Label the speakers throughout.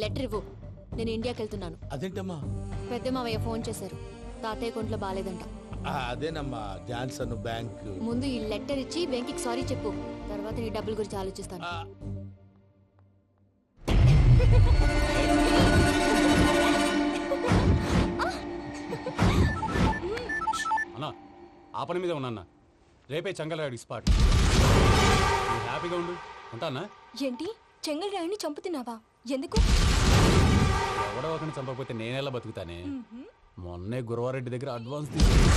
Speaker 1: Letter ఇవ్వు. నేను ఇండియాకి వెళ్తున్నాను.
Speaker 2: అదేంటమ్మా?
Speaker 1: పెద్ద మావయ్య ఫోన్ చేశారు. తాతయ్య కొంట్లో బాగాలేదంట.
Speaker 2: అదేనమ్మా జాన్సన్ బ్యాంక్.
Speaker 1: ముందు ఈ లెటర్ ఇచ్చి వెంకికి సారీ చెప్పు. తర్వాత నీ డబ్బుల గురించి ఆలోచిస్తాను.
Speaker 3: అన్నా ఆ పని మీద ఉన్నా. రేపే చెంగల్రాయుడికి స్పాట్. హ్యాపీగా ఉండు. ఉంటానా?
Speaker 4: ఏంటి చెంగల్రాయుడిని చంపుతున్నావా? ఎందుకు?
Speaker 3: ఎవడో ఒకరిని చంపకపోతే నేనెలా బతుకుతానే. మొన్నే గురవారెడ్డి దగ్గర అడ్వాన్స్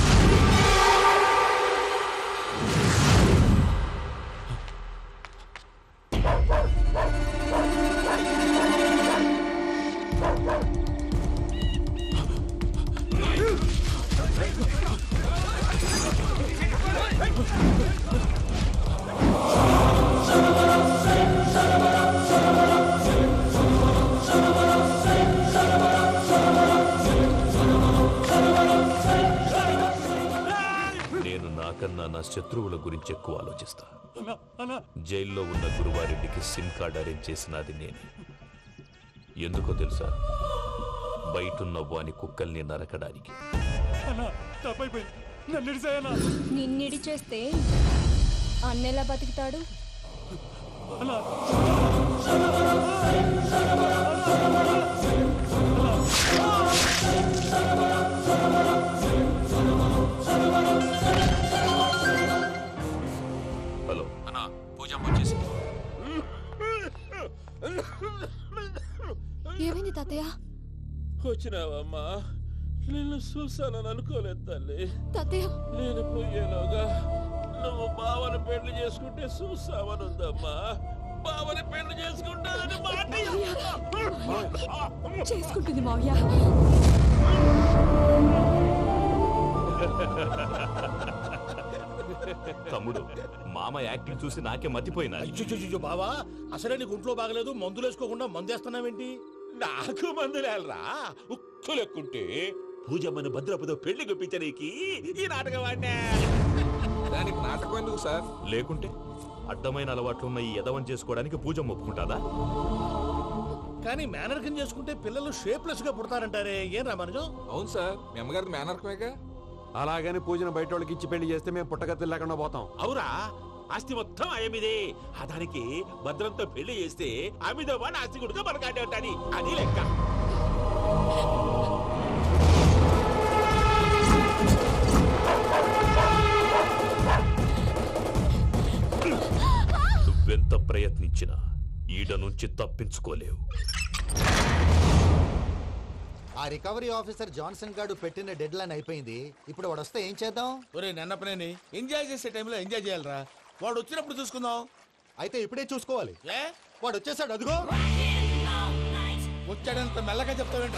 Speaker 5: కన్నా నా శత్రువుల గురించి ఎక్కువ ఆలోచిస్తా. జైల్లో ఉన్న గురువారెడ్డికి సిమ్ కార్డ్ అరేంజ్ చేసినది నేనే. ఎందుకో తెలుసా? బయటున్న వాని కుక్కల్ని నరకడానికి.
Speaker 4: నిన్నిడి చేస్తే అన్నెలా బతుకుతాడు?
Speaker 5: హలో అన్నా, పూజ వచ్చేసి.
Speaker 1: ఏమైంది తాతయ్య?
Speaker 2: వచ్చినావమ్మా? నిన్ను చూసానని అనుకోలేదు తల్లి.
Speaker 1: తాతయ్య
Speaker 2: నేను పోయేలోగా నువ్వు బావని పెళ్లి చేసుకుంటే చూసావని ఉందమ్మా. బావని పెళ్లి చేసుకుంటానని మాట
Speaker 4: చేసుకుంటుంది మావయ్య.
Speaker 5: తమ్ముడు, మామ యాక్టింగ్ చూసి నాకే మతిపోయినా.
Speaker 2: బావా, అసలే నీకు ఒంట్లో బాగలేదు, మందులు వేసుకోకుండా మందేస్తున్నావేంటి? నాకు మందులేరా ఉక్కు లెక్కుంటే పూజమ్మని భద్రపదో పెళ్లి గుప్పించడానికి ఈ నాటకం ఆడినా.
Speaker 6: దానికి నాటకం ఎందుకు సార్?
Speaker 5: లేకుంటే అడ్డమైన అలవాట్లున్న ఈ యదవం చేసుకోవడానికి పూజమ్మ ఒప్పుకుంటాదా?
Speaker 2: కానీ మేనర్కం చేసుకుంటే పిల్లలు షేప్లెస్ గా పుడతారంటారే, ఏం రామానుజం?
Speaker 6: అవును సార్, మీ అమ్మగారిది మేనర్కమేగా.
Speaker 7: అలాగని పూజను బయట వాళ్ళకి ఇచ్చి పెళ్లి చేస్తే మేము పుట్టగతులు లేకుండా పోతాం.
Speaker 2: అవురా, ఆస్తి మొత్తం ఆయమిదే. ఆ దానికి భద్రంతో పెళ్లి చేస్తే ఆమెతో పాటు ఆస్తి గుడుగా మనకాడే ఉంటాది. అది లెక్క.
Speaker 5: నువ్వెంత ప్రయత్నించినా ఈడ నుంచి తప్పించుకోలేవు.
Speaker 8: ఆ రికవరీ ఆఫీసర్ జాన్సన్ గారు పెట్టిన డెడ్ లైన్ అయిపోయింది. ఇప్పుడు వాడు వస్తే ఏం చేద్దాం?
Speaker 2: ఒరే నన్నపనేని, ఎంజాయ్ చేసే టైంలో ఎంజాయ్ చేయాలరా. వాడు వచ్చినప్పుడు చూసుకుందాం.
Speaker 8: అయితే ఇప్పుడే చూసుకోవాలి.
Speaker 2: ఏ
Speaker 8: వాడు వచ్చేసాడు, అదిగో.
Speaker 2: వచ్చాడంత మెల్లగా చెప్తావేంట?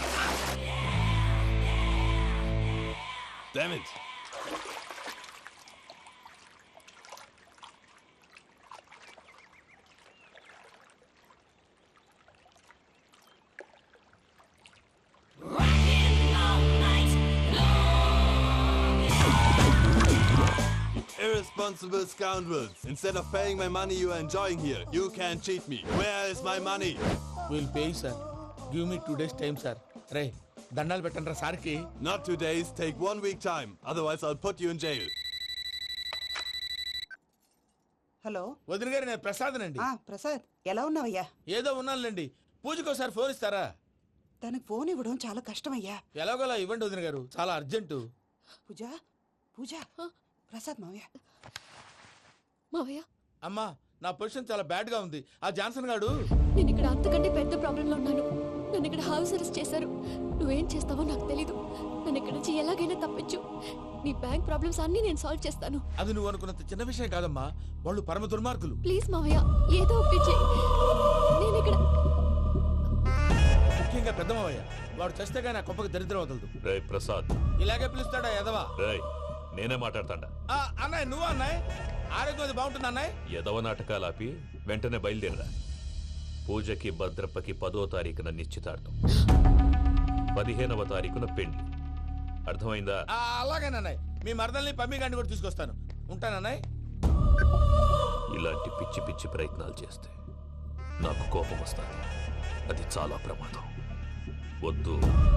Speaker 9: Irresponsible scoundrels. Instead of paying my money you are enjoying here, you can cheat me. Where is my money?
Speaker 2: We'll pay, sir. Give me 2 days time, sir. Ray, దండాలు పెట్టండి సార్కి.
Speaker 9: Not 2 days, take 1 week time. Otherwise I'll put you in jail.
Speaker 10: Hello
Speaker 2: వదిన గారు, నేను ప్రసాదనండి.
Speaker 10: ప్రసాద్, ఎలా ఉన్నావయ్యా?
Speaker 2: ఏదో ఉన్నానులేండి. పూజకి ఒకసారి ఫోన్ ఇస్తారా?
Speaker 10: తనకు ఫోన్ ఇవ్వడం చాలా కష్టమయ్యా.
Speaker 2: ఎలాగోలా ఇవ్వండి వదిన గారు, చాలా అర్జెంటు.
Speaker 10: పూజ పూజ, ప్రసాద్ మావయ్య.
Speaker 1: మావయ్య,
Speaker 2: అమ్మా, నా పొజిషన్ చాలా బ్యాడ్ గా ఉంది. ఆ జాన్సన్ గాడు.
Speaker 1: నేను ఇక్కడ అంతకంటే పెద్ద ప్రాబ్లంలో ఉన్నాను. నన్ను ఇక్కడ హౌస్ అరెస్ట్ చేశారు. నువ్వేం చేస్తావో నాకు తెలీదు. నన్ను ఇక్కడ నుంచి ఎలాగైనా తప్పించు. నీ బ్యాంక్ ప్రాబ్లమ్స్ అన్ని నేను సాల్వ్ చేస్తాను.
Speaker 2: అది నువ్వు అనుకున్నంత చిన్న విషయం కాదమ్మా. వాళ్ళు పరమ దుర్మార్గులు.
Speaker 1: ప్లీజ్ మావయ్య, ఏదో ఒకటి చెయ్యి. నేను ఇక్కడ
Speaker 2: ముఖ్యంగా పెద్ద మావయ్య, వాడు చస్తే కానీ ఆ కుప్పకి దరిద్రం వదలదు.
Speaker 5: రే ప్రసాద్,
Speaker 2: ఇలాగే పిలుస్తాడా ఎదవా?
Speaker 5: రేయ్, నేనే మాట్లాడతాడా?
Speaker 2: అన్నయ్య, నువ్వు అన్నయ్య. ఆరోగ్యం అది బాగుంటుంది అన్నయ్య.
Speaker 5: యదవ నాటకాలు ఆపి వెంటనే బయలుదేరరా. పూజకి భద్రప్పకి 10వ తారీఖున నిశ్చితార్థం, 15వ తారీఖున పెళ్లి. అర్థమైందా?
Speaker 2: అలాగేనన్నయ్య. మీ మరదల్ని పమ్మి గండి కూడా తీసుకొస్తాను. ఉంటానన్నయ్య.
Speaker 5: ఇలాంటి పిచ్చి పిచ్చి ప్రయత్నాలు చేస్తే నాకు కోపం వస్తుంది. అది చాలా ప్రమాదం. వద్దు.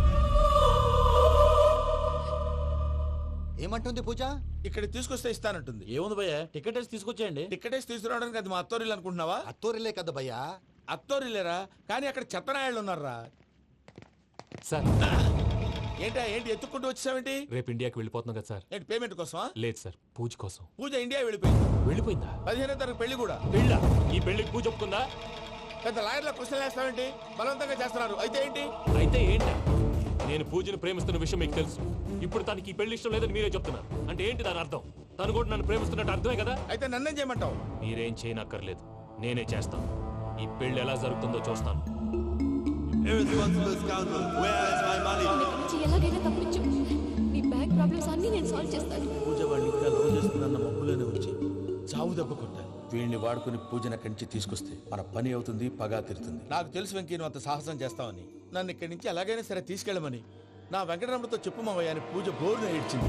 Speaker 8: ఏమంటుంది పూజ?
Speaker 2: ఇక్కడ తీసుకొస్తే ఇస్తానంటుంది.
Speaker 3: ఏముంది భయ్యా, టికెట్ వేసి తీసుకొచ్చేయండి.
Speaker 2: టికెటేసి తీసుకురావడానికి అది మా అత్తోరిల్లు అనుకుంటున్నావా?
Speaker 8: అత్తూరిలే కదా భయ్యా.
Speaker 2: అత్తోరిల్లేరా, కానీ అక్కడ చెత్తనాయాళ్ళు ఉన్నారా.
Speaker 3: సార్
Speaker 2: ఏంటి ఎత్తుక్కుంటూ వచ్చావేంటి?
Speaker 3: రేపు ఇండియాకి వెళ్ళిపోతున్నాం కదా సార్.
Speaker 2: ఏంటి పేమెంట్ కోసమా?
Speaker 3: లేదు సార్, పూజ కోసం.
Speaker 2: పూజ ఇండియా వెళ్ళిపోయింది.
Speaker 3: వెళ్ళిపోయిందా?
Speaker 2: 15వ తారీఖు పెళ్లి కూడా.
Speaker 3: పెళ్ళా? ఈ పెళ్లికి పూజ ఒప్పుకుందా?
Speaker 2: పెద్ద లాయర్ల క్వశ్చన్ వేస్తావేంటి? బలవంతంగా చేస్తున్నారు. అయితే ఏంటి?
Speaker 3: అయితే ఏంటి? నేను పూజను ప్రేమిస్తున్న విషయం మీకు తెలుసు. ఇప్పుడు తనకి ఈ పెళ్లి ఇష్టం లేదని మీరే చెప్తున్నారు. అంటే ఏంటి దాని అర్థం? తను కూడా నన్ను ప్రేమిస్తున్నట్టు అర్థమే కదా?
Speaker 2: అయితే నన్నేం చేయమంటావు?
Speaker 3: మీరేం చేయనక్కర్లేదు, నేనే చేస్తాను. ఈ పెళ్లి ఎలా జరుగుతుందో చూస్తాను.
Speaker 9: Irresponsible scoundrel, where is my money?
Speaker 1: నన్ను ఇక్కడి నుంచి ఎలాగైనా తప్పించు. నీ బ్యాంక్ ప్రాబ్లమ్స్ అన్నీ నేను సాల్వ్ చేస్తాను.
Speaker 2: పూజ వాళ్ళు ఇంకా లవ్ చేస్తుందన్న మబ్బులోనే వచ్చి చావు దెబ్బ కొట్టాలి. వీళ్ళని వాడుకుని పూజను అక్కడి నుంచి తీసుకొస్తే మన పని అవుతుంది, పగా తీరుతుంది. నాకు తెలుసు వెంకీ నువ్వు అంత సాహసం చేస్తావని. నన్ను ఇక్కడి నుంచి ఎలాగైనా సరే తీసుకెళ్ళమని నా వెంకటరమణతో చెప్పు మావయ్య అని పూజ బోరున ఏడ్చింది.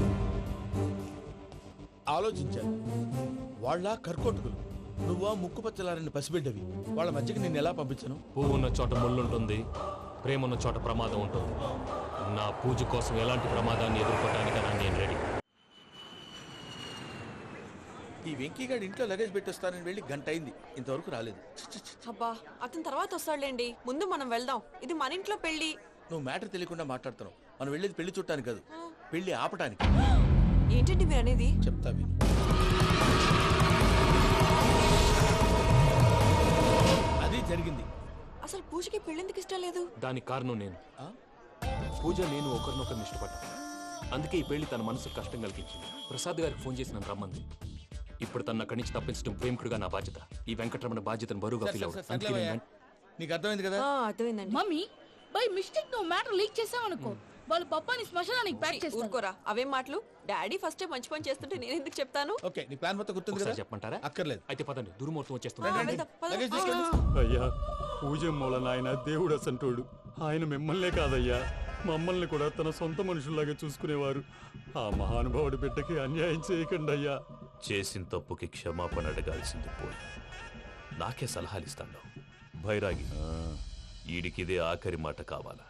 Speaker 2: ఆలోచించాను. వాళ్ళ కర్కోటకులు, నువ్వా ముక్కు పచ్చలారని పసిబిడ్డవి. వాళ్ళ మధ్యకి నేను ఎలా పంపించను?
Speaker 3: పువ్వు ఉన్న చోట ముళ్ళుంటుంది, ప్రేమ ఉన్న చోట ప్రమాదం ఉంటుంది. నా పూజ కోసం ఎలాంటి ప్రమాదాన్ని ఎదుర్కోవడానికైనా నేను రెడీ.
Speaker 2: ఈ వెంకీగాడి ఇంట్లో లగేజ్ పెట్టొస్తానని వెళ్ళి గంట అయింది, ఇంతవరకు రాలేదు.
Speaker 11: అబ్బా అతని తర్వాత వస్తాడులేండి, ముందు మనం వెళ్దాం. ఇది మన ఇంట్లో పెళ్లి.
Speaker 2: నువ్వు మ్యాటర్ తెలియకుండా మాట్లాడుతున్నావు. మనం వెళ్ళేది పెళ్లి చుట్టానికి కాదు, పెళ్లి ఆపటానికి.
Speaker 11: ఏంటండి మీరు అనేది?
Speaker 2: చెప్తా విను. అది జరిగింది.
Speaker 11: అసలు పూజకి పెళ్ళెందుకు ఇష్టం లేదు?
Speaker 3: దానికి కారణం నేను. పూజ నేను ఒకరినొకరిని ఇష్టపడ్డా. అందుకే ఈ పెళ్లి తన మనసుకు కష్టం కలిగించింది. ప్రసాద్ గారికి ఫోన్ చేసి నన్ను రమ్మంది. ఇప్పుడు తన అక్కడి నుంచి తప్పించడం ప్రేమికుడుగా నా బాధ్యత. ఈ వెంకటరమణ బాధ్యతను బరువుగా ఫీల్ అవుతుంది.
Speaker 2: నీకు అర్థమైంది కదా?
Speaker 11: అర్థమైందండి.
Speaker 4: మమ్మీ బై మిస్టేక్ నువ్వు మ్యాటర్ లీక్ చేసావనుకో, వాళ్ళు పప్పాని శ్మశానానికి ప్యాక్ చేస్తారు.
Speaker 11: ఊరుకోరా, అవేం మాటలు. డాడీ ఫస్ట్ మంచి పని చేస్తుంటే నేను ఎందుకు చెప్తాను?
Speaker 2: ఓకే, నీ ప్లాన్ మొత్తం గుర్తుంది కదా?
Speaker 3: చెప్పమంటారా?
Speaker 2: అక్కర్లేదు.
Speaker 3: అయితే పదండి, దుర్ముహూర్తం
Speaker 2: రండి,
Speaker 3: వచ్చేస్తుంది.
Speaker 2: రండి.
Speaker 11: వెళ్దాం, పద.
Speaker 2: లగేజ్ తీసుకెళ్ళు.
Speaker 3: అయ్యా, పూజ మూలన ఆయన దేవుడు అసంటోడు. ఆయన మిమ్మల్నే కాదయ్యా, మమ్మల్ని కూడా తన సొంత మనుషుల్లాగా చూసుకునేవారు. ఆ మహానుభావుడి బిడ్డకి అన్యాయం చేయకండి అయ్యా.
Speaker 5: చేసిన తప్పుకి క్షమాపణ అడగాల్సింది పోయి నాకే సలహాలు ఇస్తాను. భైరాగి, ఈడికిదే ఆఖరి మాట కావాలా?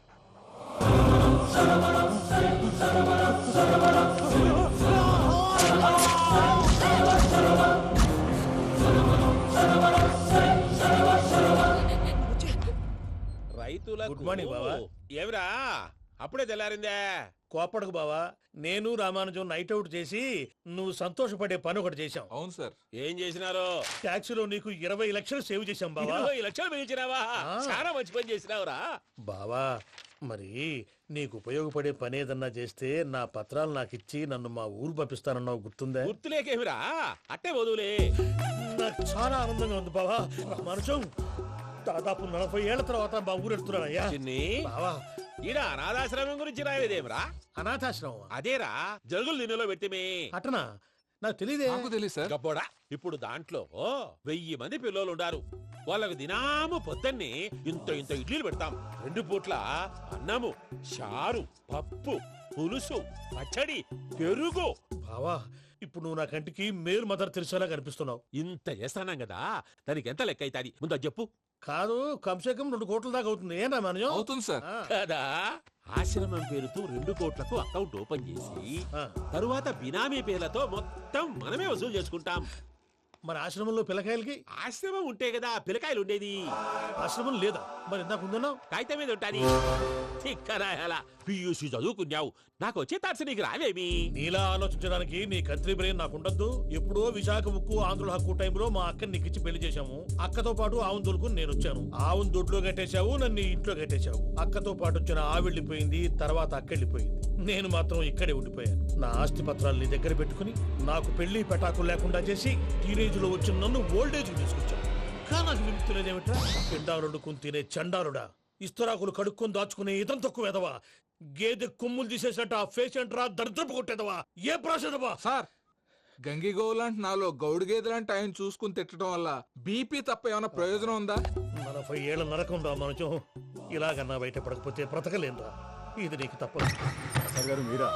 Speaker 2: రైతులకు గుడ్ మార్నింగ్ బావా. ఏమిరా అప్పుడే తెల్లారిందే? కోపడకు బావా, నేను రామానుజం నైట్ అవుట్ చేసి నువ్వు సంతోషపడే పని ఒకటి చేశాం.
Speaker 6: అవును సార్.
Speaker 2: ఏం చేసినారో? ట్యాక్సీలో నీకు 20 లక్షలు సేవ్ చేశాం బావా. 20 లక్షలు మిగిల్చినావా? చాలా మంచి పని చేసినావురా బావా. మరి నీకు ఉపయోగపడే పని ఏదన్నా చేస్తే నా పత్రాలు నాకు ఇచ్చి నన్ను మా ఊరు పంపిస్తానన్నావు, గుర్తుందా? గుర్తులేకేమిరా, అట్టే వదులే. నాకు చాలా ఆనందంగా ఉంది బావా. రామానుజం దాదాపు 40 ఏళ్ల తర్వాత మా ఊరు వెళ్తున్నానయ్యా. బావా, ఈడ అనాథాశ్రమం గురించి రాయలేదేమిరా? అనాథాశ్రమం అదేరా, జరుగులు దీనిలో పెట్టిమే. అటనా? నాకు తెలియదే.
Speaker 6: నాకు తెలియదు సార్.
Speaker 2: గబ్బోడా, ఇప్పుడు దాంట్లో 1000 మంది పిల్లలు ఉండారు. వాళ్ళకు దినాము పొద్దున్నే ఇంత ఇంత ఇడ్లీలు పెడతాం. 2 పూట్ల అన్నము, చారు, పప్పు, పులుసు, పచ్చడి, పెరుగు. బావా, ఇప్పుడు నువ్వు నా కంటికి మేరు మదర్ తెలిసేలా కనిపిస్తున్నావు. ఇంత చేస్తానం కదా, దానికి ఎంత లెక్క అవుతుంది ముందు అది చెప్పు. కాదు, కంసే కం 2 కోట్ల దాకా అవుతుంది. ఏం రామానుజం?
Speaker 6: అవుతుంది సార్.
Speaker 2: కదా, ఆశ్రమం పేరుతో 2 కోట్లకు అకౌంట్ ఓపెన్ చేసి తరువాత బినామీ పేర్లతో మొత్తం మనమే వసూలు చేసుకుంటాం. మరి ఆశ్రమంలో పిల్లకాయలకి? ఆశ్రమం ఉంటే కదా పిల్లకాయలు ఉండేది. ఆశ్రమం లేదా? మరి ఇందాక ఉందన్నావు. కాగితం మీద ఉంటాని. చిక్కరాయాలా, పియూసీ చదువుకున్నావు, నాకు వచ్చే తాట్స్ నీకు రావేమి? నీలా ఆలోచించడానికి నీ కత్రి బ్రెయిన్ నాకు ఉండద్దు. ఎప్పుడో విశాఖ ఉక్కు ఆంధ్రుల హక్కు టైంలో మా అక్కని నీకిచ్చి పెళ్లి చేశాము. అక్కతో పాటు ఆవును దొడుకుని నేను వచ్చాను. ఆవును దొడ్లో కట్టేశావు, నన్ను ఇంట్లో కట్టేశావు. అక్కతో పాటు వచ్చిన ఆవిళ్ళిపోయింది, తర్వాత అక్కెళ్ళిపోయింది. నేను మాత్రం ఇక్కడే ఉండిపోయాను. నా ఆస్తి పత్రాలు నీ దగ్గర పెట్టుకుని నాకు పెళ్లి పెటాకులు లేకుండా చేసి టీనేజ్ లో వచ్చిన నన్ను ఓల్డేజ్ తీసుకొచ్చాను. కానీ నాకు విముక్తులేదేమిట్రా? పిండారుడుకుని తినే చండారుడా, ఇస్తరాకులు కడుక్కొని దాచుకునే ఇతం తక్కువ ఎదవా, గేదె కొమ్ములు తీసేసట ఆ పేషెంట్ రా దరిద్రపు కొట్టేదవా, ఏ ప్రాసెదవా?
Speaker 6: సార్, గంగి గోవులాంటి నాలో గౌడు గేదెలాంటి ఆయన చూసుకుని తిట్టడం వల్ల బీపీ తప్ప ఏమైనా ప్రయోజనం ఉందా?
Speaker 2: 40 ఏళ్ల నరకం రా మనచం. ఇలాగన్నా బయట పడకపోతే బ్రతకలేనురా. ఇది నీకు తప్పదు.
Speaker 3: సార్ గారు మీరా?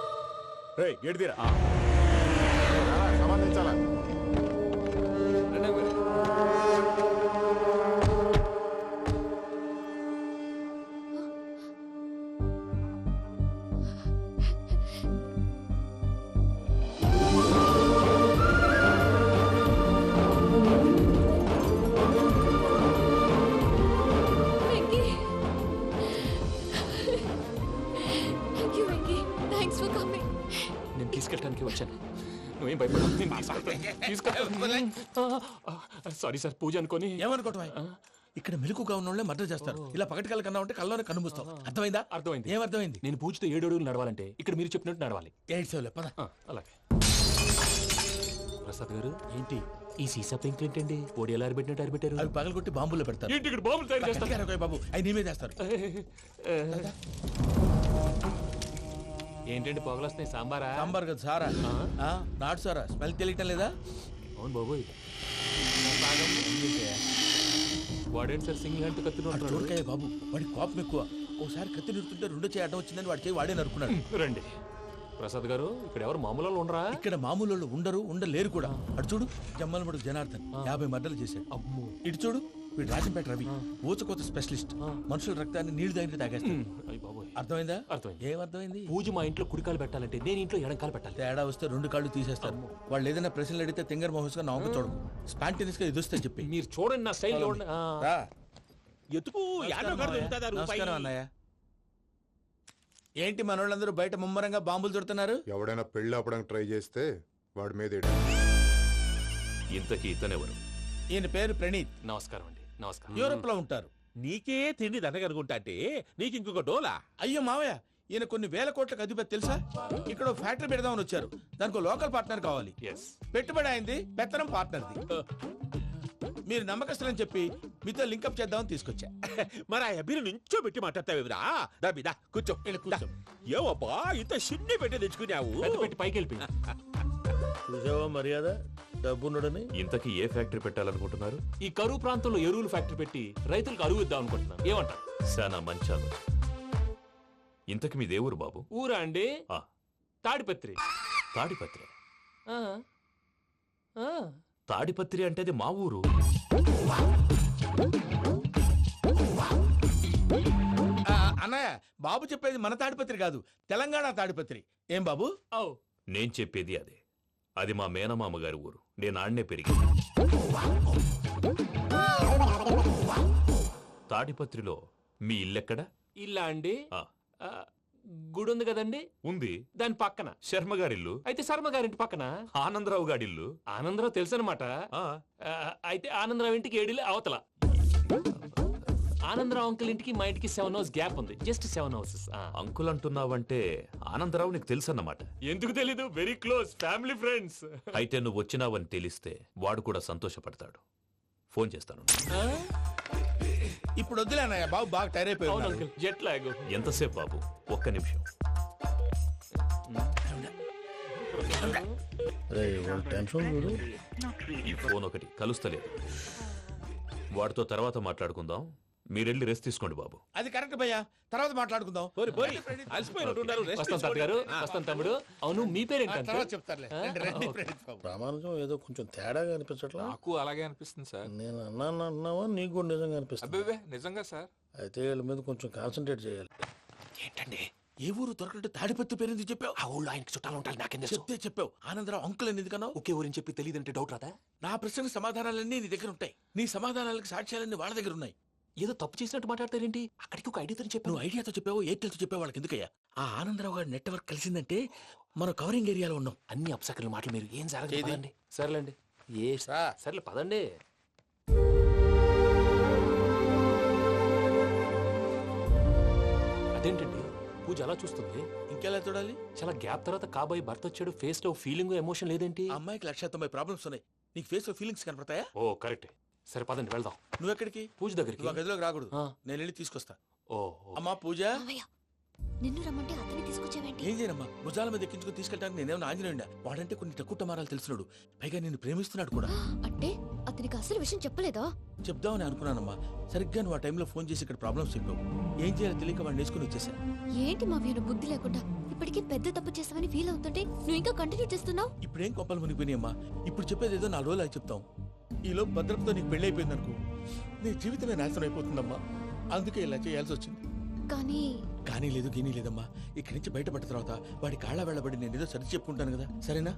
Speaker 3: గేట్ తీరా.
Speaker 6: రండి.
Speaker 3: చెప్పడానికే వచ్చాను. నువ్వేం భయపడ. సారీ సార్, పూజ అనుకోని.
Speaker 12: ఏమనుకోవటం? ఇక్కడ మెలకుగా ఉన్న వాళ్ళే మర్డర్ చేస్తారు. ఇలా పగటి కళ్ళ కన్నా ఉంటే కళ్ళలోనే కనుమూస్తాం. అర్థమైందా?
Speaker 3: అర్థమైంది.
Speaker 12: ఏమర్థమైంది?
Speaker 3: నేను పూజతో 7 అడుగులు నడవాలంటే ఇక్కడ మీరు చెప్పినట్టు నడవాలి.
Speaker 12: 8 సెవెన్ పద.
Speaker 3: అలాగే. ప్రసాద్ గారు, ఏంటి ఈ సీసా పెంకులు ఏంటండి? పొడి ఎలా అరబెట్టినట్టు అరబెట్టారు?
Speaker 12: అవి పగలగొట్టి బాంబుల్లో పెడతారు.
Speaker 3: ఏంటి ఇక్కడ బాంబులు తయారు చేస్తారు?
Speaker 12: గట్టిగా బాబు, అవి నీమే చేస్తారు.
Speaker 3: ఏంటండి పొగలొస్తాయి? సాంబారా?
Speaker 12: సాంబార్ కదా సారా. నాటు సారా. స్మెల్ తెలియటం లేదా?
Speaker 3: అవును బాబోయ్. వాడేంటి సార్ సింగిల్ హ్యాండ్ కత్తి
Speaker 12: చూడకాయ బాబు, వాడి కోపం ఎక్కువ. ఒకసారి కత్తి నిరుతుంటే 2 చేయి అడ్డం వచ్చిందని వాడి చేయి వాడే నరుకున్నాడు.
Speaker 3: రండి ప్రసాద్ గారు, ఇక్కడ ఎవరు మామూలు వాళ్ళు ఉండరా?
Speaker 12: ఇక్కడ మామూలు వాళ్ళు ఉండలేరు కూడా. అటు చూడు, జమ్మలమడు జనార్దన్ 50 మర్డర్లు చేశాడు. ఇటు చూడు, వీడు రాజంపేట రవి ఊచకోత స్పెషలిస్ట్. మనుషుల రక్తాన్ని నీళ్లు దగ్గర తాగేస్తాడు. అర్థమైందా?
Speaker 3: అర్థమైంది.
Speaker 12: ఏమర్థమైంది?
Speaker 3: పూజ మా ఇంట్లో కుడికాలు పెట్టాలంటే నేను ఇంట్లో ఎడంకాలు పెట్టాలి.
Speaker 12: తేడా వస్తే 2 కాళ్ళు తీసేస్తారు. వాళ్ళు ఏదైనా ప్రశ్నలు అడిగితే తింగర్ మహోస్ గా నవ్వు చూడకు. స్పాంటినియస్ గా ఎదుస్తా చెప్పి.
Speaker 3: మీరు చూడండి నా స్టైల్.
Speaker 2: ఎతుకు
Speaker 12: నమస్కారం అన్నయ్య. ఏంటి మనోళ్ళందరూ బయట ముమ్మరంగా బాంబులు దొరుకుతున్నారు?
Speaker 13: ఎవడైనా పెళ్లి ఆపడానికి ట్రై చేస్తే వాడి మీద
Speaker 5: ఇంతకీ ఇతనెవరు?
Speaker 12: ఈయన పేరు ప్రణీత్.
Speaker 3: నమస్కారం అండి. నమస్కారం.
Speaker 12: యూరోప్ లో ఉంటారు.
Speaker 2: నీకే తిండి దండగనుకుంటా అంటే నీకు ఇంకొక డోలా?
Speaker 12: అయ్యో మావయ్య, ఈయన కొన్ని వేల కోట్లకు అధిపతి తెలుసా? ఇక్కడ ఫ్యాక్టరీ పెడదామని వచ్చారు. దానికి లోకల్ పార్ట్నర్ కావాలి. పెట్టుబడి అయింది, పెత్తనం పార్ట్నర్ది. మీరు నమ్మకస్తులని చెప్పి మీతో లింకప్ చేద్దామని తీసుకొచ్చా.
Speaker 2: మరి ఆ అబ్బిని నుంచో పెట్టి మాట్లాడతావేమిరా? దాబిదా కూర్చో. ఏవబ్బా ఇంత సిన్ని పెట్టి తెచ్చుకున్నావు?
Speaker 3: పెట్టి పైకి వెళ్ళి
Speaker 12: చూసావా మర్యాద డబ్బున్నడని.
Speaker 5: ఇంతకీ ఏ ఫ్యాక్టరీ పెట్టాలనుకుంటున్నారు?
Speaker 3: ఈ కరువు ప్రాంతంలో ఎరువులు ఫ్యాక్టరీ పెట్టి రైతులకు అరువు ఇద్దాం అనుకుంటున్నాను. ఏమంటారు?
Speaker 5: శానా మంచి ఆలోచన. ఇంతకి మీ దేవురు బాబు?
Speaker 3: ఊరా అండి? తాడిపత్రి.
Speaker 5: తాడిపత్రి? తాడిపత్రి అంటే అది మా ఊరు.
Speaker 12: అన్నయ్య, బాబు చెప్పేది మన తాడిపత్రి కాదు, తెలంగాణ తాడిపత్రి. ఏం బాబు?
Speaker 5: నేను చెప్పేది అదే. అది మా మేనమామ గారి ఊరు. నేను ఆడనే పెరిగింది. తాడిపత్రిలో మీ ఇల్లెక్కడ?
Speaker 3: ఇల్లా అండి? గుడి ఉంది కదండి?
Speaker 5: ఉంది.
Speaker 3: దాని పక్కన
Speaker 5: శర్మ గారిల్లు.
Speaker 3: అయితే శర్మ గారింటి పక్కన
Speaker 5: ఆనందరావు గారిల్లు.
Speaker 3: ఆనందరావు తెలుసు అనమాట. అయితే ఆనందరావు ఇంటికి 7 అవతల. ఆనందరావు అంకుల్ ఇంటికి మా ఇంటికి 7 హౌస్ గ్యాప్ ఉంది. Just 7 houses.
Speaker 5: అంకుల్ అంటున్నావంటే ఆనందరావు నీకు తెలుసు అన్నమాట.
Speaker 3: ఎందుకు తెలీదు? Very close family friends.
Speaker 5: అయితే నువ్వు వచ్చినావని తెలిస్తే వాడు కూడా సంతోషపడతాడు. ఫోన్ చేస్తాను.
Speaker 12: ఇప్పుడు వద్దులే అన్నయ్య, బాబు బాగా టైర్ అయిపోయాడు.
Speaker 3: Jet lag.
Speaker 5: ఎంతసేపు బాబు? ఒక్క నిమిషం. ఈ ఫోన్ ఒకటి కలుస్తలేదు. వాడితో తర్వాత మాట్లాడుకుందాం. మీరెళ్ళి రెస్ట్ తీసుకోండి బాబు.
Speaker 12: అది కరెక్ట్ భయ్యా, తర్వాత మాట్లాడుకుందాం.
Speaker 3: వస్తాను తమ్ముడు. అవును, మీ పేరేంటి?
Speaker 12: చెప్తారులే.
Speaker 14: ప్రామాణికం ఏదో కొంచెం తేడాగా అనిపించట్లా?
Speaker 6: నాకు అలాగే అనిపిస్తుంది సార్.
Speaker 14: నేను అన్నావా? నీకు కూడా నిజంగా అనిపిస్తుంది?
Speaker 6: అబ్బే నిజంగా సార్.
Speaker 14: అయితే వీళ్ళ మీద కొంచెం కాన్సన్ట్రేట్ చేయాలి.
Speaker 12: ఏంటండి ఏ ఊరు దొరకట్టు తాడిపత్రి పేరు ఎందుకు చెప్పావు?
Speaker 3: ఆ ఊళ్ళో ఆయనకి చుట్టాలు ఉంటారు. నాకేం
Speaker 12: చెప్తే చెప్పావు. ఆనందరావు అంకుల్ అని ఎందుకన్నావు?
Speaker 3: ఒకే ఊరిని చెప్పి తెలియదంటే డౌట్ రాదా?
Speaker 12: నా ప్రశ్నకు సమాధానాలన్నీ నీ దగ్గర ఉంటాయి. నీ సమాధానాలకు సాక్ష్యాలన్నీ వాళ్ళ దగ్గర ఉన్నాయి.
Speaker 3: ఏదో తప్పు చేసినట్టు మాట్లాడతారేంటి? అక్కడికి ఒక ఐడియాతో చెప్పావు.
Speaker 12: నువ్వు ఐడియాతో చెప్పావు, ఎయిర్టెల్తో చెప్పావు. వాళ్ళకి ఎందుకయ్యా? ఆ ఆనందరావు గారి నెట్వర్క్ కలిసిందంటే మనం కవరింగ్ ఏరియాలో ఉన్నాం.
Speaker 3: అన్ని అప్సకర్ల మాటలు మీరు ఏం జరగదండి. సర్లేండి. సర్లే పదండి. అదేంటండి పూజ అలా చూస్తుంది?
Speaker 12: ఇంకెలా చూడాలి?
Speaker 3: చాలా గ్యాప్ తర్వాత కాబోయే భర్త వచ్చాడు. ఫేస్ లో ఫీలింగ్ ఎమోషన్ లేదేంటి?
Speaker 12: అమ్మాయికి 190 ప్రాబ్లమ్స్ ఉన్నాయి. నీకు ఫేస్ లో ఫీలింగ్స్ కనపడతాయా?
Speaker 3: ఓ కరెక్ట్. సరే పదండి వెళ్దాం.
Speaker 12: నువ్వు ఎక్కడికి?
Speaker 3: పూజ దగ్గరికి.
Speaker 12: నువ్వు గదిలోకి రాకూడదు. నేను వెళ్ళి తీసుకొస్తా.
Speaker 3: ఓ
Speaker 12: అమ్మా పూజ.
Speaker 1: నిన్ను రమ్మంటే అతన్ని తీసుకొచ్చావేంటి?
Speaker 12: ఏం చేయనమ్మా, భుజాల మీద ఎక్కించుకుని తీసుకెళ్ళడానికి నేనేమన్నా ఆంజనేయుడా? వాడంటే కొన్ని తక్కువ టమారాలు తెలిసినాడు. పైగా నిన్ను ప్రేమిస్తున్నాడు కూడా.
Speaker 1: అంటే అతనికి అసలు విషయం చెప్పలేదా?
Speaker 12: చెప్దామని అనుకున్నానమ్మా. సరిగ్గా నువ్వు ఆ టైంలో ఫోన్ చేసి ఇక్కడ ప్రాబ్లమ్స్ చెప్పావు. ఏం చేయాలో తెలియక వాడిని వేసుకుని వచ్చేసా.
Speaker 1: ఏంటి మా వీరు బుద్ధి లేకుండా ఇప్పటికీ పెద్ద తప్పు చేసావని ఫీల్ అవుతుంటే నువ్వు ఇంకా కంటిన్యూ చేస్తున్నావు?
Speaker 12: ఇప్పుడేం కొప్పలు మునిగిపోయినాయమ్మా. ఇప్పుడు చెప్పేది ఏదో 4 రోజులు చెప్తాం. ఈలో భద్రతతో నీకు పెళ్లి అయిపోయింది అనుకో, నీ జీవితమే నాశనం అయిపోతుందమ్మా. అందుకే ఇలా చేయాల్సి వచ్చింది. కానీ లేదు గీనీ లేదమ్మా. ఇక్కడి నుంచి బయటపడ్డ తర్వాత వాడి కాళ్ళ వెళ్ళబడి నేను ఏదో సరి చెప్పుకుంటాను కదా. సరేనా?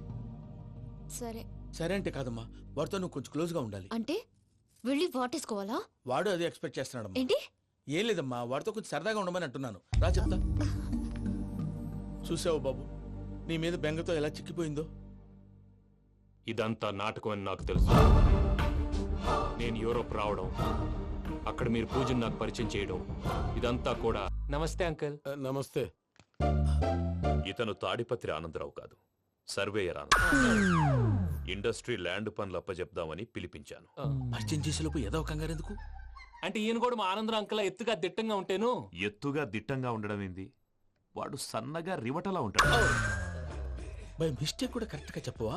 Speaker 12: సరే అంటే కాదమ్మా, వాడితో నువ్వు కొంచెం క్లోజ్ గా ఉండాలి.
Speaker 1: అంటే వెళ్ళి వాటేసుకోవాలా?
Speaker 12: వాడు అదే ఎక్స్పెక్ట్ చేస్తున్నాడమ్మా.
Speaker 1: ఏంటి?
Speaker 12: ఏం లేదమ్మా, వాడితో కొంచెం సరదాగా ఉండమని అంటున్నాను. రా చెప్తా. చూసావు బాబు, నీ మీద బెంగతో ఎలా చిక్కిపోయిందో.
Speaker 3: ఇదంతా నాటకం అని నాకు తెలుసు. నేను యూరోప్ రావడం, అక్కడ మీరు పూజను నాకు పరిచయం చేయడం, ఇదంతా కూడా. నమస్తే అంకుల్.
Speaker 12: నమస్తే.
Speaker 5: ఇతను తాడిపత్రి ఆనందరావు కాదు, సర్వేయర్ ఆనందరావు. ఇండస్ట్రీ ల్యాండ్ పనులు అప్పచెప్దామని పిలిపించాను.
Speaker 12: పరిచయం చేసేలోపు ఏదో కంగారు ఎందుకు?
Speaker 3: అంటే ఈయన కూడా మా ఆనందరావు అంకుల్ ఎత్తుగా దిట్టంగా ఉంటాను.
Speaker 5: ఎత్తుగా దిట్టంగా ఉండడం ఏంది? వాడు సన్నగా రివటలా ఉంటాడు.
Speaker 12: బై మిస్టేక్ కూడా కరెక్ట్ గా చెప్పవా?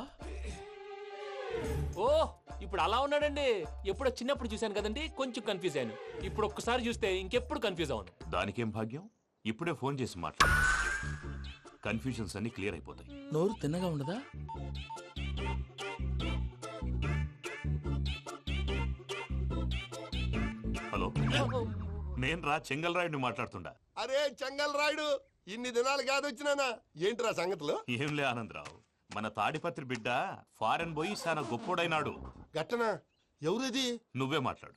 Speaker 3: ఓ ఇప్పుడు అలా ఉన్నాడండి. ఎప్పుడో చిన్నప్పుడు చూశాను కదండి, కొంచెం కన్ఫ్యూజ్ అయ్యాను. ఇప్పుడు ఒక్కసారి చూస్తే ఇంకెప్పుడు కన్ఫ్యూజ్ అవును.
Speaker 5: దానికేం భాగ్యం, ఇప్పుడే ఫోన్ చేసి మాట్లాడు. కన్ఫ్యూజన్స్ అన్ని క్లియర్ అయిపోతాయి.
Speaker 12: నోరు తిన్నగా ఉండదా?
Speaker 5: హలో, నేను రా చెంగల్ రాయుడిని మాట్లాడుతుండా.
Speaker 9: అరే చెంగల్ రాయుడు, ఇన్ని దినాలు కాదు వచ్చినానా? ఏంట్రా సంగతులు?
Speaker 5: ఏంలే ఆనందరావు, మన తాడిపత్రి బిడ్డ ఫారెన్ పోయి చాలా గొప్పోడైనాడు.
Speaker 9: గట్టనా? ఎవరిది?
Speaker 5: నువ్వే మాట్లాడు.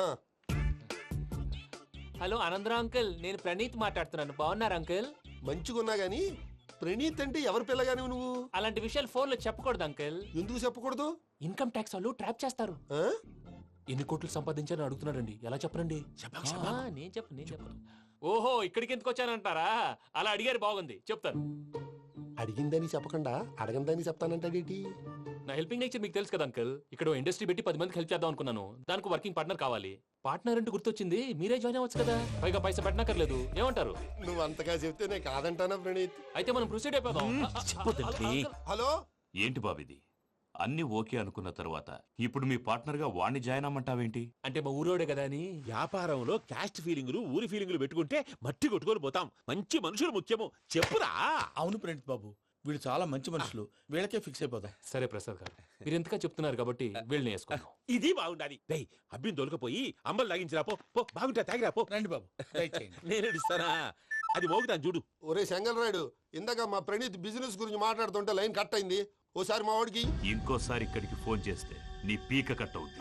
Speaker 3: హలో ఆనందరావు అంకుల్, నేను ప్రణీత్ మాట్లాడుతున్నాను. బాగున్నారు అంకుల్?
Speaker 9: మంచిగున్నా గాని ప్రణీత్ అంటే ఎవరి పిల్లగాని నువ్వు?
Speaker 3: అలాంటి విషయాలు ఫోన్ లో చెప్పకూడదు అంకుల్.
Speaker 9: ఎందుకు చెప్పకూడదు?
Speaker 3: ఇన్కమ్ ట్యాక్స్ వాళ్ళు ట్రాప్ చేస్తారు. ఎన్ని కోట్లు సంపాదించాలని అడుగుతున్నారండి, ఎలా చెప్పరండి? నేను చెప్పను. ఓహో, ఇక్కడికి ఎందుకు వచ్చానంటారా? అలా అడిగారు, బాగుంది, చెప్తాను.
Speaker 9: అడిగిందని చెప్పకుండా అడగందని చెప్తానంటాడేటి?
Speaker 3: నా హెల్పింగ్ నేచర్ మీకు తెలుసు కదా అంకుల్. ఇక్కడ ఇండస్ట్రీ పెట్టి 10 మందికి హెల్ప్ చేద్దాం అనుకున్నాను. దానికి వర్కింగ్ పార్ట్నర్ కావాలి. పార్ట్నర్ అంటే గుర్తొచ్చింది, మీరే జాయిన్ అవ్వచ్చు కదా, పైగా పైసా పెట్టనక్కర్లేదు. ఏమంటారు?
Speaker 9: నువ్వు అంతగా చెప్తేనే కాదంటానా ప్రణీత్?
Speaker 3: అయితే మనం ప్రొసీడ్ అయిపోదాం.
Speaker 9: హలో,
Speaker 5: ఏంటి బాబిది? అన్ని ఓకే అనుకున్న తర్వాత ఇప్పుడు మీ పార్ట్నర్ గా వాణ్ణి జాయిన్ అమ్మంటావేంటి?
Speaker 3: అంటే మా ఊరోడే కదా అని.
Speaker 2: వ్యాపారంలో క్యాస్ట్ ఫీలింగులు, ఊరి ఫీలింగులు పెట్టుకుంటే మట్టి కొట్టుకొని పోతాం. మంచి మనుషులు ముఖ్యము. చెప్పురా.
Speaker 12: అవును ప్రణీత్ బాబు, వీళ్ళు చాలా మంచి మనుషులు, వీళ్ళకే ఫిక్స్ అయిపోతాం.
Speaker 3: సరే ప్రసాద్ గారు, మీరు ఎంతగా చెప్తున్నారు కాబట్టి వీళ్ళని వేసుకుందాం.
Speaker 2: ఇది బాగుండాలి. డై అబ్బిని దొలకపోయి అంబలు లాగించిరా. పో బాగుంటా, తాగిరా పో.
Speaker 12: రండి బాబు,
Speaker 2: నేను ఇస్తానా? అది మోగుతాను చూడు.
Speaker 9: ఒరే చెంగల్ రాయుడు, ఇందాక మా ప్రణీత్ బిజినెస్ గురించి మాట్లాడుతుంటే లైన్ కట్ అయింది. ఓసారి మా వాడికి
Speaker 5: ఇంకోసారి ఇక్కడికి ఫోన్ చేస్తే నీ పీక కట్ అవుద్ది.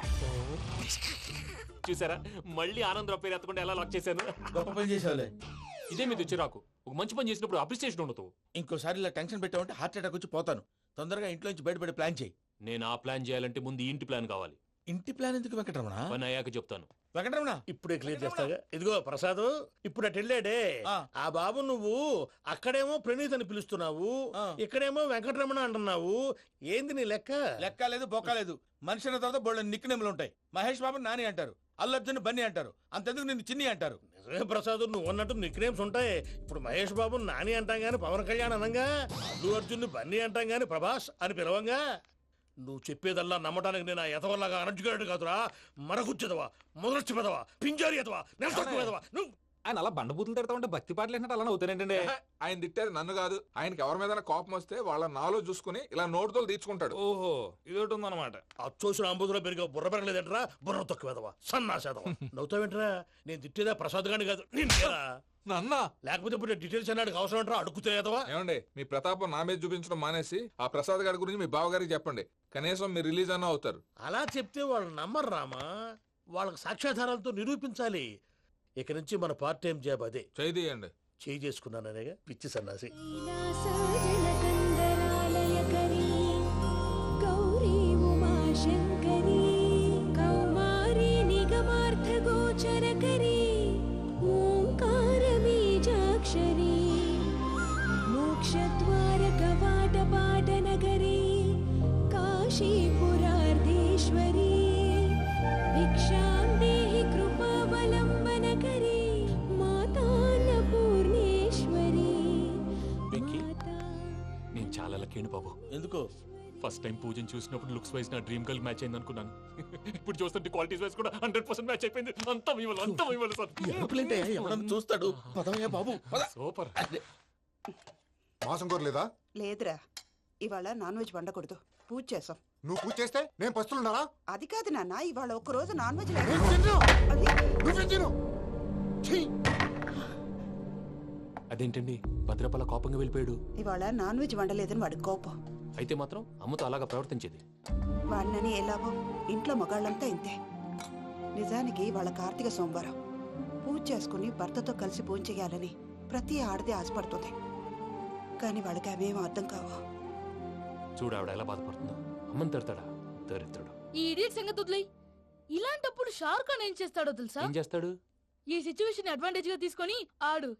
Speaker 3: చూసారా, మళ్ళీ ఆనందరావు పేరు ఎత్తకుండా ఎలా లాక్ చేశాను.
Speaker 12: గొప్ప పని చేసేవాళ్ళే.
Speaker 3: ఇదే మీద చిరాకు. ఒక మంచి పని చేసినప్పుడు అప్రిసియేషన్ ఉండదు.
Speaker 12: ఇంకోసారి ఇలా టెన్షన్ పెట్టామంటే హార్ట్ అటాక్ వచ్చి పోతాను. తొందరగా ఇంట్లో నుంచి బయటపడే ప్లాన్ చేయి.
Speaker 3: నేను ఆ ప్లాన్ చేయాలంటే ముందు ఈ ఇంటి ప్లాన్ కావాలి.
Speaker 12: ఇంటి ప్లాన్ ఎందుకు వెంకటరమణ?
Speaker 3: పని అయ్యాక చెప్తాను.
Speaker 12: వెంకటరమణ
Speaker 14: ఇప్పుడే క్లియర్ చేస్తాగా. ఇదిగో ప్రసాద్, ఇప్పుడు అటు వెళ్ళాడే ఆ బాబు, నువ్వు అక్కడేమో ప్రణీత్ అని పిలుస్తున్నావు, ఇక్కడేమో వెంకటరమణ అంటున్నావు. ఏంది నీ లెక్క?
Speaker 12: లెక్క లేదు, బొక్క లేదు. మనిషి అన్న తర్వాత బోళ్ళ నిక్నెములు ఉంటాయి. మహేష్ బాబు నాని అంటారు, అల్లు అర్జున్ బన్నీ అంటారు, అంతెందుకు నిన్ను చిన్ని అంటారు.
Speaker 14: నిజమే ప్రసాద్, నువ్వు అన్నట్టు నిక్నేమ్స్ ఉంటాయి. ఇప్పుడు మహేష్ బాబు నాని అంటాం గాని పవన్ కళ్యాణ్ అనంగా, అల్లు అర్జున్ బన్నీ అంటాం గాని ప్రభాస్ అని పిలవంగా. నువ్వు చెప్పేదల్లా నమ్మటానికి నేను ఎతవల్లాగా అనర్జుకేటెడ్ కాదురా. మరగుచ్చదవా, మొదలచ్చి పెదవా, పింజారి ఎదవా, నెలసొక్కు పెదవా. నువ్వు
Speaker 6: ఆయన అలా బండబూతులు తిడతా ఉంటే భక్తి పాటలు ఏంటంటే అలా అవుతానేంటండి. ఆయన తిట్టేది నన్ను కాదు, ఆయనకి ఎవరి మీద కోపం వస్తే వాళ్ళ నాలో చూసుకుని ఇలా నోటుతో తీర్చుకుంటాడు.
Speaker 12: ఓహో, ఇదొకటి ఉందన్నమాట.
Speaker 14: అచ్చోసిన అంబుధులో పెరిగా బుర్ర పెరగలేదంటరా, బుర్ర తొక్కు వెదవా, సన్నాసేదవా. నవ్వుతావేంట్రా? నేను తిట్టేదా ప్రసాద్ గాని కాదు,
Speaker 12: నన్నా.
Speaker 14: లేకపోతే ఇప్పుడు డీటెయిల్స్ అన్నాడు అవసరం అంటారా? అడుగుతాయేదవా.
Speaker 6: ఏమండి, మీ ప్రతాపం నా మీద చూపించడం మానేసి ఆ ప్రసాద్ గారి గురించి మీ బావగారికి చెప్పండి. కనీసం మీరు రిలీజ్ అన్న అవుతారు.
Speaker 14: అలా చెప్తే వాళ్ళు నమ్మరు రామా. వాళ్ళకి సాక్ష్యాధారాలతో నిరూపించాలి. ఇక నుంచి మన పార్ట్ టైం జాబ్ అదే.
Speaker 6: చేయండి.
Speaker 14: చేయి చేసుకున్నాననేగా పిచ్చి సన్నాసి.
Speaker 1: గౌరీ ఉమాశంకరీ కౌమారీ నిగమార్థగోచరకరీ ఓంకార బీజాక్షరీ మోక్షద్వార కవాట పాటనగరీ కాశీపురార్ధేశ్వరీ భిక్షాం దేహి కృపావలంబనకరీ మాతాన్నపూర్ణేశ్వరీ.
Speaker 3: నేను చాలా లక్కీ బాబు.
Speaker 14: ఎందుకు?
Speaker 3: ఫస్ట్ టైం పూజను చూసినప్పుడు లుక్స్ వైజ్ నా డ్రీమ్ గర్ల్ మ్యాచ్ అయింది అనుకున్నాను. ఇప్పుడు చూస్తుంటే క్వాలిటీస్ వైజ్ కూడా 100% మ్యాచ్ అయిపోయింది. అంతా మీ వల్ల
Speaker 14: ఎవరన్నా చూస్తాడు. పదవయ్యా బాబు,
Speaker 3: సూపర్.
Speaker 13: మాసం కోరలేదా?
Speaker 10: లేదురా, ఇవాళ నాన్ వెజ్ వండకూడదు, పూజ చేసాం.
Speaker 13: నువ్వు పూజ చేస్తే నేను పస్తులున్నారా?
Speaker 10: అది కాదు నాన్న, ఇవాళ ఒక్కరోజు నాన్ వెజ్
Speaker 3: అదేంటండి భద్రపల కోపంగా వెళ్ళిపోయాడు?
Speaker 10: ఇవాళ నాన్ వెజ్ వండలేదని వాడి కోపం.
Speaker 3: అయితే మాత్రం అమ్మతో అలాగా ప్రవర్తించేది.
Speaker 10: వాడినని ఎలాగో ఇంట్లో మగాళ్ళంతా ఇంతే. నిజానికి వాళ్ళ కార్తీక సోమవారం పూజ చేసుకుని భర్తతో కలిసి పూజ చేయాలని ప్రతి ఆడది ఆశపడుతుంది. కానీ వాళ్ళకి అవేం అర్థం కావు.
Speaker 3: చూడు ఆవిడ ఎలా బాధపడుతుందో. అమ్మని తిడతాడా దరిద్రుడు.
Speaker 4: ఈ ఇడియట్ సంగతి వదిలేయ్. ఇలాంటప్పుడు షారుఖ్ ఖాన్ ఏం చేస్తాడో తెలుసా?
Speaker 3: ఏం చేస్తాడు?
Speaker 4: ఈ సిచ్యువేషన్ అడ్వాంటేజ్ గా తీసుకొని ఆడు